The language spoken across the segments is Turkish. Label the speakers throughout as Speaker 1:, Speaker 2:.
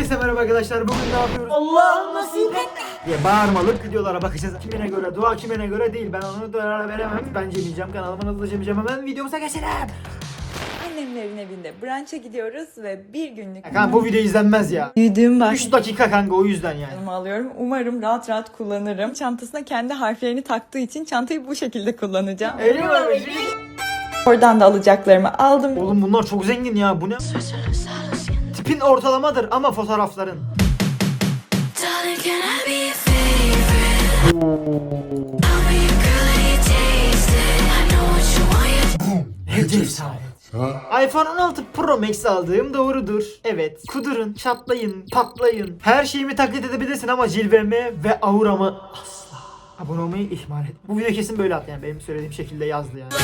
Speaker 1: Herkese merhaba arkadaşlar. Bugün ne yapıyoruz? Allah nasip et diye bağırmalık videolara bakacağız. Kimine göre dua, kimine göre değil. Ben onu da veremem. Ben Cemileceğim, kanalıma hızlıca Cemileceğim. Hemen videomuza geçelim.
Speaker 2: Annemlerin evinde brunch'a gidiyoruz ve bir günlük
Speaker 1: Kanka bu video izlenmez ya.
Speaker 2: büyüdüğüm
Speaker 1: 3 dakika kanka, o yüzden yani.
Speaker 2: başlığımı alıyorum. Umarım rahat rahat kullanırım. Çantasına kendi harflerini taktığı için çantayı bu şekilde kullanacağım.
Speaker 1: Eyvallah.
Speaker 2: Oradan da alacaklarımı aldım.
Speaker 1: Oğlum bunlar çok zengin ya. Bu ne? Tipin ortalamadır ama fotoğrafların.
Speaker 3: Darling, can I be your favorite? I'll be your girl and you taste it. I know what you want.
Speaker 1: Ne cesaret. iPhone 16 Pro Max aldığım doğrudur. Evet. Kudurun, çatlayın, patlayın. Her şeyimi taklit edebilirsin ama cilvemi ve auramı asla. Abone olmayı ihmal et. Bu video kesin böyle at yani. Benim söylediğim şekilde yazdı yani.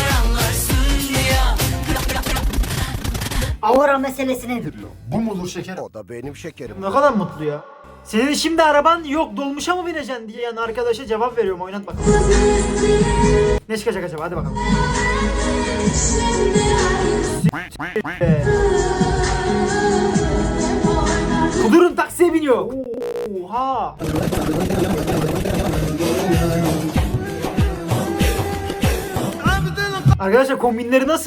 Speaker 4: Aura meselesi nedir?
Speaker 1: Bu mudur şeker?
Speaker 5: O da benim şekerim.
Speaker 1: Ne kadar mutlu ya. Senin şimdi araban yok, dolmuşa mı bineceksin diye yani arkadaşa cevap veriyorum. Oynat bakalım. Ne çıkacak acaba? Hadi bakalım. Kudurun taksiye biniyor. Oha. Arkadaşlar kombinleri nasıl?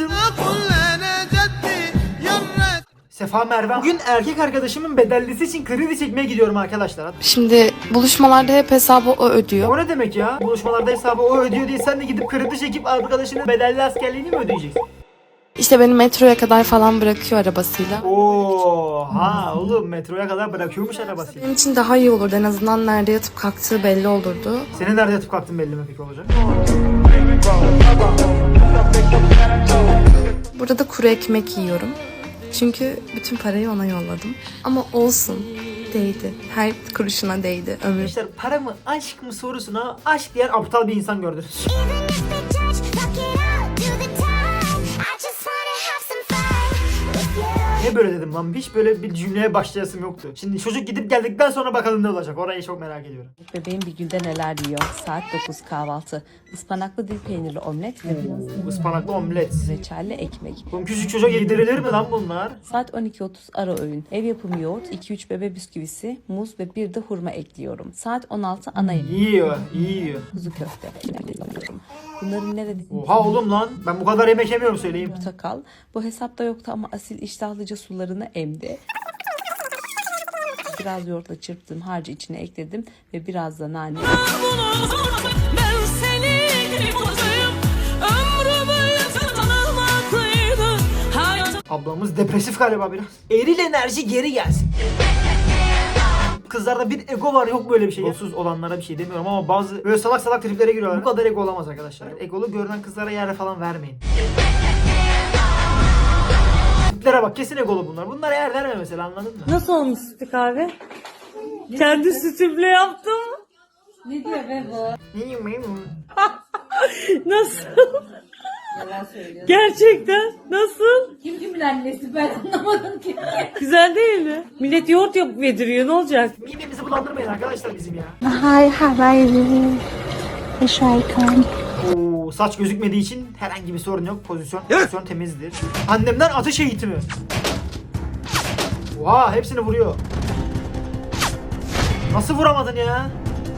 Speaker 1: Sefa Merve. Bugün erkek arkadaşımın bedellisi için kredi çekmeye gidiyorum arkadaşlar.
Speaker 6: Şimdi buluşmalarda hep hesabı o ödüyor.
Speaker 1: O ne demek ya? Buluşmalarda hesabı o ödüyor diye sen de gidip kredi çekip arkadaşının bedelli askerliğini mi ödeyeceksin?
Speaker 6: İşte beni metroya kadar falan bırakıyor arabasıyla.
Speaker 1: Oha oğlum, metroya kadar bırakıyormuş arabasıyla.
Speaker 6: Benim için daha iyi olurdu. En azından nerede yatıp kalktığı belli olurdu.
Speaker 1: Senin nerede yatıp kalktın belli mi peki olacak?
Speaker 6: Burada da kuru ekmek yiyorum. Çünkü bütün parayı ona yolladım. Ama olsun. Değdi. Her kuruşuna değdi. Ömür.
Speaker 1: Arkadaşlar para mı aşk mı sorusuna aşk diyen aptal bir insan gördünüz.
Speaker 3: Even if they judge, fuck it out, do the time. I just wanna have some fun with you.
Speaker 1: Niye böyle dedim lan? Hiç böyle bir cümleye başlayasım yoktu. Şimdi çocuk gidip geldikten sonra bakalım ne olacak. Orayı çok merak ediyorum.
Speaker 7: Bebeğim bir günde neler yiyor? Saat 9 kahvaltı. Ispanaklı dil peynirli omlet ve
Speaker 1: Ispanaklı omlet.
Speaker 7: reçelli ekmek.
Speaker 1: Oğlum küçük çocuğa yedirilir mi lan bunlar?
Speaker 7: Saat 12.30 ara öğün. Ev yapımı yoğurt, 2-3 bebe bisküvisi, muz ve bir de hurma ekliyorum. Saat 16 ana yemek.
Speaker 1: Yiyor, yiyor.
Speaker 7: Kuzu köfte. Bunların nerede
Speaker 1: Oha oğlum lan. Ben bu kadar yemek yemiyorum söyleyeyim.
Speaker 7: portakal. Bu hesapta yoktu ama asil iştahlıca sularını emdi. Biraz yoğurtla çırptım, harcı içine ekledim ve biraz da nane.
Speaker 3: Ben seni bulayım, ömrümü tanımaklıydı hayatım.
Speaker 1: Ablamız depresif galiba biraz. Eril enerji geri gelsin. Kızlarda bir ego var, yok böyle bir şey. Egosuz olanlara bir şey demiyorum ama bazı böyle salak salak triplere giriyorlar. Bu kadar ego olamaz arkadaşlar. Egolu görünen kızlara yer falan vermeyin. Triplere bak, kesin egolu bunlar. Bunlara yer verme mesela, anladın mı?
Speaker 8: Nasıl olmuş sütü kahve? Kendi sütümle yaptım. Nasıl? Gerçekten nasıl?
Speaker 9: Kim kimin annesi ben anlamadım ki.
Speaker 8: Güzel değil mi? Millet yoğurt yapıp yediriyor, ne olacak?
Speaker 1: Midemizi bulandırmayın arkadaşlar bizim ya.
Speaker 9: Hi, how are you? Should I come?
Speaker 1: Oo, saç gözükmediği için herhangi bir sorun yok. Pozisyon temizdir. Annemden atış eğitimi. Oha, hepsini vuruyor. Nasıl vuramadın ya?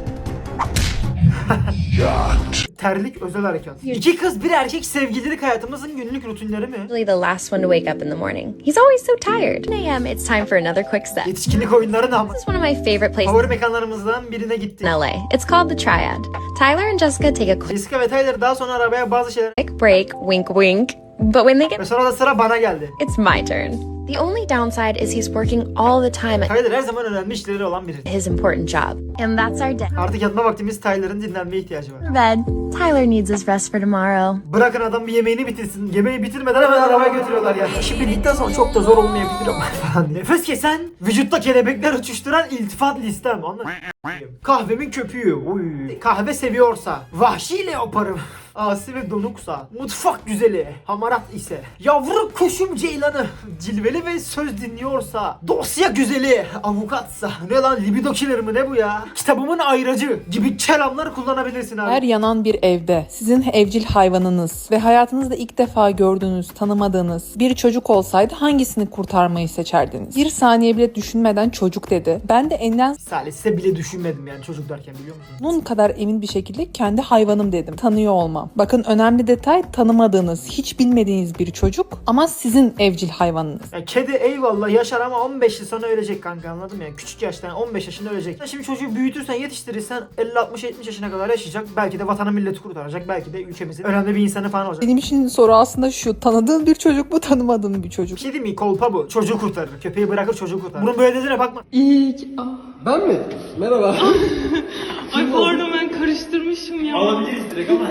Speaker 1: Terlik özel harekat. İki kız bir erkek sevgililik hayatımızın günlük rutinleri mi?
Speaker 10: Usually the last one to wake up in the morning. He's always so tired. 10 a.m. It's time for another quick step.
Speaker 1: Yetişkinlik oyunları ne ama?
Speaker 10: This is one of my favorite places
Speaker 1: Favori mekanlarımızdan birine gitti.
Speaker 10: in LA. It's called the Triad. Tyler and Jessica take a
Speaker 1: Jessica ve Tyler daha sonra arabaya bazı şeyler...
Speaker 10: quick break, wink wink. But when they
Speaker 1: Ve
Speaker 10: get,
Speaker 1: sonra da sıra bana geldi.
Speaker 10: it's my turn. The only downside is he's working all the time at
Speaker 1: Tyler her zaman önemli işleri olan biri.
Speaker 10: his important job. And that's our day.
Speaker 1: Artık yatma vaktimiz, Tyler'ın dinlenmeye ihtiyacı var.
Speaker 10: Bed. Tyler needs his rest for tomorrow.
Speaker 1: Bırakın adam bir yemeğini bitirsin. Yemeği bitirmeden hemen arabaya götürüyorlar ya. İşi bildikten sonra çok da zor olmayabilir ama falan. Nefes kesen, vücutta kelebekler uçuşturan iltifat listem. Anladın mı? Kahvemin köpüğü. Uy. Kahve seviyorsa, vahşi leoparım. Asi ve donuksa, mutfak güzeli, hamarat ise, yavru kuşum ceylanı, cilveli ve söz dinliyorsa, dosya güzeli, avukatsa, bu ne lan, libido killer mi ne bu ya? Kitabımın ayracı gibi kelamlar kullanabilirsin abi.
Speaker 11: Her yanan bir
Speaker 5: evde sizin evcil hayvanınız ve hayatınızda ilk defa gördüğünüz, tanımadığınız bir çocuk olsaydı hangisini kurtarmayı seçerdiniz? Bir saniye bile düşünmeden çocuk dedi. Ben de enden
Speaker 1: Salise bile düşünmedim yani çocuk derken, biliyor musun?
Speaker 5: bunun kadar emin bir şekilde kendi hayvanım dedim. Tanıyor olmam. Bakın önemli detay, tanımadığınız, hiç bilmediğiniz bir çocuk ama sizin evcil hayvanınız.
Speaker 1: Ya kedi eyvallah yaşar ama 15 yıl sonra ölecek kanka, anladın mı? Yani küçük yaştan 15 yaşında ölecek. Şimdi çocuğu büyütürsen, yetiştirirsen 50-60-70 yaşına kadar yaşayacak. Belki de vatanı milleti kurtaracak. Belki de ülkemizin önemli bir insanı falan olacak.
Speaker 5: Benim için soru aslında şu: tanıdığın bir çocuk mu, tanımadığın bir çocuk?
Speaker 1: Bir şey değil mi? Kolpa bu. Çocuğu kurtarır. Köpeği bırakır, çocuğu kurtarır. Bunun böyle dediğine bakma.
Speaker 11: Ben mi? Merhaba.
Speaker 8: Ay pardon, ben karıştırmışım ya.
Speaker 11: Alabiliriz direkt ama.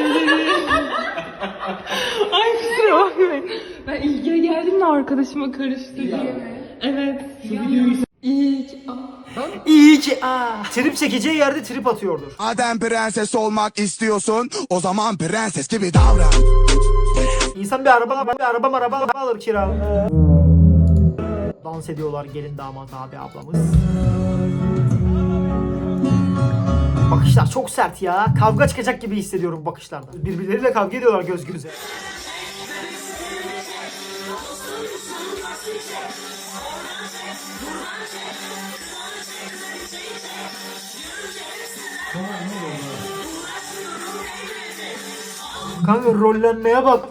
Speaker 8: Ay kusura bakmayın. Ben ilgiye geldim de arkadaşıma karıştırdım. Evet.
Speaker 1: İyi ki trip çekeceği yerde trip atıyordur.
Speaker 12: Madem prenses olmak istiyorsun, o zaman prenses gibi davran.
Speaker 1: İnsan bir araba alır kira. Dans ediyorlar gelin damat abi ablamız. Bakışlar çok sert ya. Kavga çıkacak gibi hissediyorum bakışlarda. Birbirleriyle kavga ediyorlar göz göze. Kanka rollenmeye bak.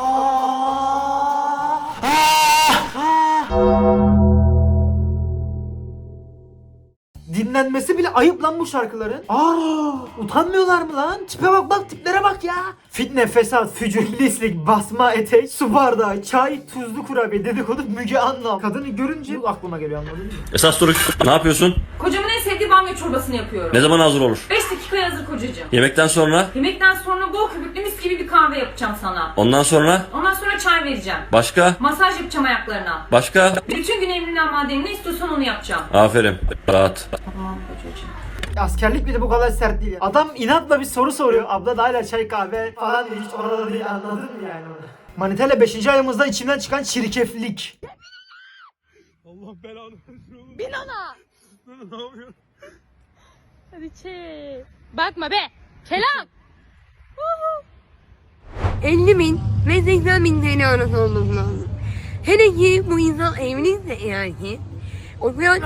Speaker 1: Dinlenmesi bile ayıp lan bu şarkıların. Utanmıyorlar mı lan? Tipe bak, tiplere bak ya. Fitne, fesat, fücur, lislik, basma etek, su bardağı, çay, tuzlu kurabiye, dedikodu, Müge Anlı. Kadını görünce bu aklıma geliyor, anladın mı?
Speaker 13: Esas soru ne yapıyorsun?
Speaker 14: Kocamın en sevdiği bamya çorbasını yapıyorum.
Speaker 13: Ne zaman hazır olur?
Speaker 14: 5 dakikaya hazır kocacığım.
Speaker 13: Yemekten sonra?
Speaker 14: Yemekten sonra bol köpüklü mis gibi bir kahve yapacağım sana.
Speaker 13: Ondan sonra?
Speaker 14: Ondan sonra çay vereceğim.
Speaker 13: Başka?
Speaker 14: Masaj yapacağım ayaklarına.
Speaker 13: Başka?
Speaker 14: Bütün gün emrinden madenin ne istiyorsan onu yapacağım.
Speaker 13: Aferin. Rahat.
Speaker 14: Tamam kocacığım.
Speaker 1: Askerlik bile bu kadar sert değil ya. Adam inatla bir soru soruyor. Abla da hala çay kahve falan diye, hiç orada değil, anladın mı yani? Manitayla 5. ayımızda içimden çıkan çirkeflik.
Speaker 11: Allah belanı versin.
Speaker 8: Bin ona.
Speaker 11: Ne yapıyorsun?
Speaker 8: Hadi bakma be. Kelam. 50.000 ve 80.000 TL arası olması lazım. Hele ki bu insan evliyse eğer ki o zaman...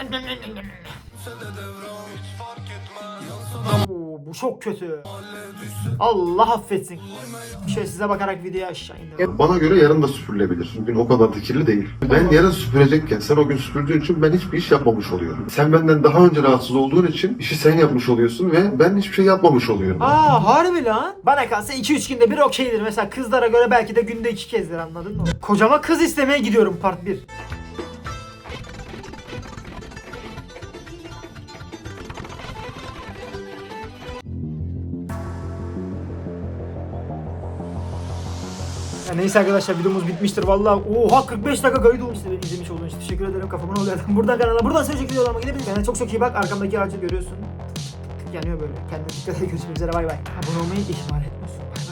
Speaker 1: Bu çok kötü. Allah affetsin. Şöyle size bakarak videoyu aşağı indir.
Speaker 15: Bana göre yarın da süpürülebilir. Bugün o kadar da kirli değil. Ben yarın süpürecekken sen o gün süpürdüğün için ben hiçbir iş yapmamış oluyorum. Sen benden daha önce rahatsız olduğun için işi sen yapmış oluyorsun ve ben hiçbir şey yapmamış oluyorum.
Speaker 1: Harbi lan. Bana kalsa 2-3 günde bir okeydir. Mesela kızlara göre belki de günde 2 kezdir, anladın mı? Kocama kız istemeye gidiyorum part 1. Ya neyse arkadaşlar, videomuz bitmiştir vallahi. Oha 45 dakika kayıt olmuş. İzlemiş olduğunuz için teşekkür ederim. Kafamın oluyor. Buradan kanala, buradan söyleyecek videolarıma gidebiliriz. Kendine çok iyi bak. Arkamdaki ağacı görüyorsun. Yanıyor böyle. Kendine dikkat et. Görüşmek üzere. Bay bay. Abone olmayı ihmal etmiyorsun.